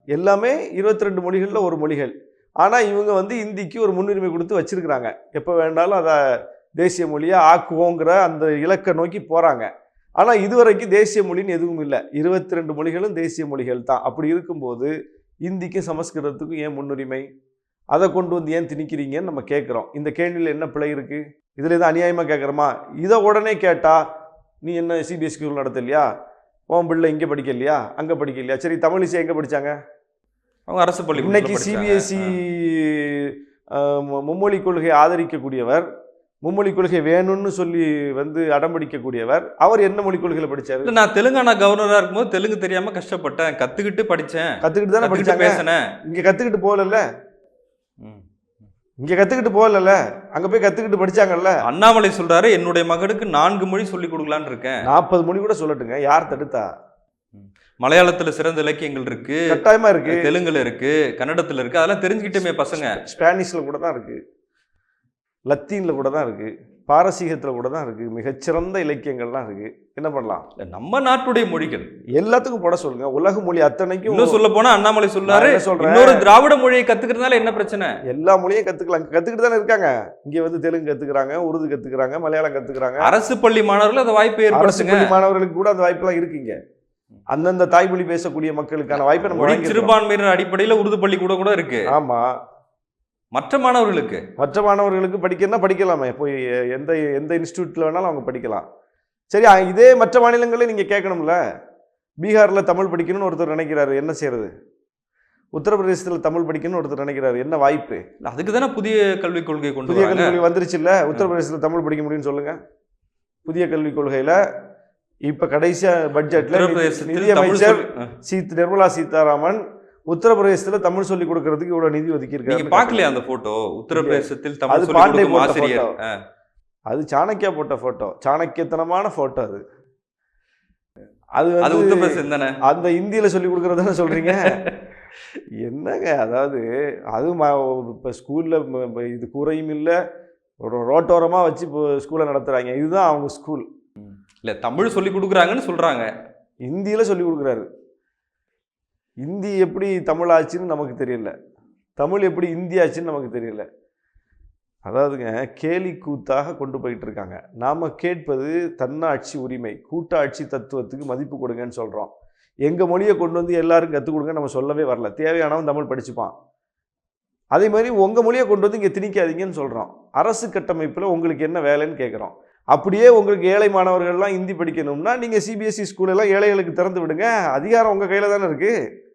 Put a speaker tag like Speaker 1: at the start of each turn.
Speaker 1: எல்லாமே 22 மொழிகளில் ஒரு மொழிகள். ஆனால் இவங்க வந்து இந்திக்கு ஒரு முன்னுரிமை கொடுத்து வச்சிருக்கிறாங்க. எப்போ வேண்டாலும் அதை தேசிய மொழியாக ஆக்குவோங்கிற அந்த இலக்கை நோக்கி போகிறாங்க. ஆனால் இதுவரைக்கும் தேசிய மொழின்னு எதுவும் இல்லை. 22 மொழிகளும் தேசிய மொழிகள் தான். அப்படி இருக்கும்போது இந்திக்கும் சமஸ்கிருதத்துக்கும் ஏன் முன்னுரிமை? அதை கொண்டு வந்து ஏன் திணிக்கிறீங்கன்னு நம்ம கேட்குறோம். இந்த கேள்வியில் என்ன பிழை இருக்குது? இதில் எதுவும் அநியாயமாக கேட்குறோமா? இதை உடனே கேட்டால் நீ என்ன சிபிஎஸ்சி ஸ்கூல் நடத்தலையா, உன் பிள்ளை இங்கே படிக்கலையா, அங்கே படிக்கலையா, சரி தமிழிசை எங்கே படித்தாங்க?
Speaker 2: அவங்க அரசு பள்ளி.
Speaker 1: இன்னைக்கு சிபிஎஸ்சி மும்மொழி கொள்கையை ஆதரிக்கக்கூடியவர், மும்மொழி கொள்கை வேணும்னு சொல்லி வந்து அடம்பிடிக்கக்கூடியவர், அவர் என்ன மொழி கொள்கையில் படித்தார்?
Speaker 2: நான் தெலுங்கானா கவர்னராக இருக்கும்போது தெலுங்கு தெரியாமல் கஷ்டப்பட்டேன், கற்றுக்கிட்டு படித்தேன்.
Speaker 1: கற்றுக்கிட்டு தானே படித்தாங்க.
Speaker 2: பேசினேன்.
Speaker 1: இங்கே கற்றுக்கிட்டு போகலல்ல, இங்கே கற்றுக்கிட்டு போகல, அங்கே போய் கற்றுக்கிட்டு படித்தாங்கல்ல.
Speaker 2: அண்ணாமலை சொல்கிறாரு என்னுடைய மகனுக்கு 4 மொழி சொல்லி கொடுக்கலான்னு இருக்கேன்.
Speaker 1: 40 மொழி கூட சொல்லட்டுங்க, யார் தடுத்தா?
Speaker 2: மலையாளத்தில் சிறந்த இலக்கியங்கள் இருக்கு,
Speaker 1: கட்டாயமா இருக்கு,
Speaker 2: தெலுங்குல இருக்கு, கன்னடத்தில் இருக்கு, அதெல்லாம் தெரிஞ்சுக்கிட்டுமே பசங்க.
Speaker 1: ஸ்பானிஷ்ல கூட தான் இருக்கு, லத்தீன்ல கூட தான் இருக்கு, பாரசீகத்தில் கூட தான் இருக்கு, மிகச்சிறந்த இலக்கியங்கள்லாம் இருக்கு. என்ன பண்ணலாம்?
Speaker 2: நம்ம நாட்டுடைய மொழிகள்
Speaker 1: எல்லாத்துக்கும் போட சொல்லுங்க. உலக மொழி அத்தனைக்கும்.
Speaker 2: இன்னும் சொல்ல போனா அண்ணாமலை சொல்றாரு இன்னொரு திராவிட மொழியை கத்துக்கிறதுனால என்ன பிரச்சனை?
Speaker 1: எல்லா மொழியும் கத்துக்கலாம், கத்துக்கிட்டு தானே இருக்காங்க. இங்க வந்து தெலுங்கு கத்துக்கிறாங்க, உருது கத்துக்கிறாங்க, மலையாளம் கத்துக்கிறாங்க.
Speaker 2: அரசு பள்ளி மாணவர்கள் அந்த வாய்ப்பை
Speaker 1: அரசு பள்ளி மாணவர்களுக்கு கூட அந்த வாய்ப்பெல்லாம் இருக்குங்க. அந்தந்த தாய்மொழி பேசக்கூடிய மக்களுக்கான வாய்ப்பை நம்ம
Speaker 2: சிறுபான்மையினர் அடிப்படையில் உருது பள்ளி கூட இருக்கு.
Speaker 1: ஆமா,
Speaker 2: மற்ற மாணவர்களுக்கு
Speaker 1: படிக்கணும்னா படிக்கலாமே, போய் எந்த எந்த இன்ஸ்டியூட்ல வேணாலும் அவங்க படிக்கலாம். சரி, இதே மற்ற மாநிலங்களே நீங்க கேட்கணும்ல. பீகார்ல தமிழ் படிக்கணும்னு ஒருத்தர் நினைக்கிறாரு, என்ன செய்யறது? உத்தரப்பிரதேசத்தில் தமிழ் படிக்கணும்னு ஒருத்தர் நினைக்கிறாரு, என்ன வாய்ப்பு?
Speaker 2: அதுக்கு தானே புதிய கல்விக் கொள்கை
Speaker 1: புதிய கல்விக் கொள்கை வந்துருச்சு இல்ல. உத்தரப்பிரதேசத்தில் தமிழ் படிக்க முடியும்னு சொல்லுங்க. புதிய கல்விக் கொள்கையில இப்ப கடைசியா பட்ஜெட்ல நிதியமைச்சர் நிர்மலா சீதாராமன் உத்தரப்பிரதேசத்தில் தமிழ் சொல்லி கொடுக்கறதுக்கு இவ்வளவு நிதி ஒதுக்கி இருக்காங்க.
Speaker 2: பார்க்கலையா அந்த போட்டோ? உத்தரப்பிரதேசத்தில் தமிழ் சொல்லி கொடுக்கும் ஆசிரியர்.
Speaker 1: அது சாணக்கியா போட்ட போட்டோ, சாணக்கியத்தனமான போட்டோ. அது
Speaker 2: அது உத்தரப்பிரதேசம் தானே?
Speaker 1: அந்த இந்தியில சொல்லி கொடுக்கறதானே சொல்றீங்க? என்னங்க, அதாவது அதுவும் இப்போ ஸ்கூல்ல இது கூரையும் இல்லை, ஒரு ரோட்டோரமா வச்சு இப்போ ஸ்கூலை நடத்துறாங்க. இதுதான் அவங்க ஸ்கூல்
Speaker 2: இல்ல. தமிழ் சொல்லி கொடுக்குறாங்கன்னு சொல்றாங்க,
Speaker 1: இந்தியில சொல்லி கொடுக்குறாரு. இந்தி எப்படி தமிழ் ஆச்சுன்னு நமக்கு தெரியல, தமிழ் எப்படி இந்தி ஆச்சுன்னு நமக்கு தெரியல. அதாவதுங்க, கேலி கூத்தாக கொண்டு போயிட்டு இருக்காங்க. நாம் கேட்பது தன்னாட்சி உரிமை, கூட்டாட்சி தத்துவத்துக்கு மதிப்பு கொடுங்கன்னு சொல்கிறோம். எங்கள் மொழியை கொண்டு வந்து எல்லாரும் கற்றுக் கொடுங்க நம்ம சொல்லவே வரல. தேவையானவன் தமிழ் படிச்சுப்பான். அதே மாதிரி உங்கள் மொழியை கொண்டு வந்து இங்கே திணிக்காதீங்கன்னு சொல்கிறோம். அரசு கட்டமைப்பில் உங்களுக்கு என்ன வேலைன்னு கேட்குறோம். அப்படியே உங்களுக்கு ஏழை மாணவர்கள்லாம் ஹிந்தி படிக்கணும்னா நீங்கள் சிபிஎஸ்சி ஸ்கூலெல்லாம் ஏழைகளுக்கு திறந்து விடுங்க. அதிகாரம் உங்கள் கையில் தானே இருக்குது.